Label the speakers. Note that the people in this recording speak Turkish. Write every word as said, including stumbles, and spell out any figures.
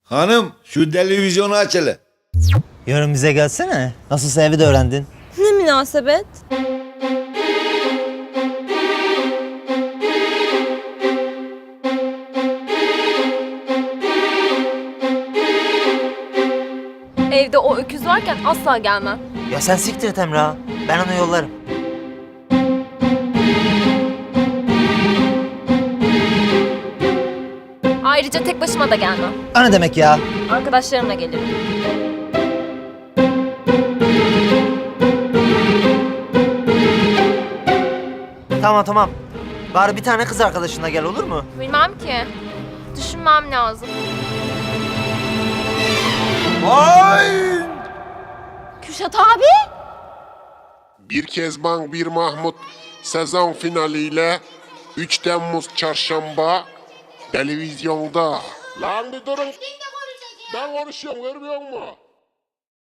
Speaker 1: Hanım şu televizyonu aç hele.
Speaker 2: Yarın bize gelsene. Nasılsa evi de öğrendin.
Speaker 3: Ne münasebet? Evde o öküz varken asla gelmem.
Speaker 2: Ya sen siktir et Emrah. Ben onu yollarım.
Speaker 3: Ayrıca tek başıma da gelmem.
Speaker 2: O ne demek ya?
Speaker 3: Arkadaşlarımla gelirim.
Speaker 2: Tamam tamam. Bari bir tane kız arkadaşınla gel, olur mu?
Speaker 3: Bilmem ki. Düşünmem lazım.
Speaker 1: Ay!
Speaker 3: Kürşat abi!
Speaker 4: Bir Kezban Bir Mahmut sezon finaliyle üç Temmuz çarşamba televizyonda. Lan bir durun. Ben konuşuyorum, görmüyor musun?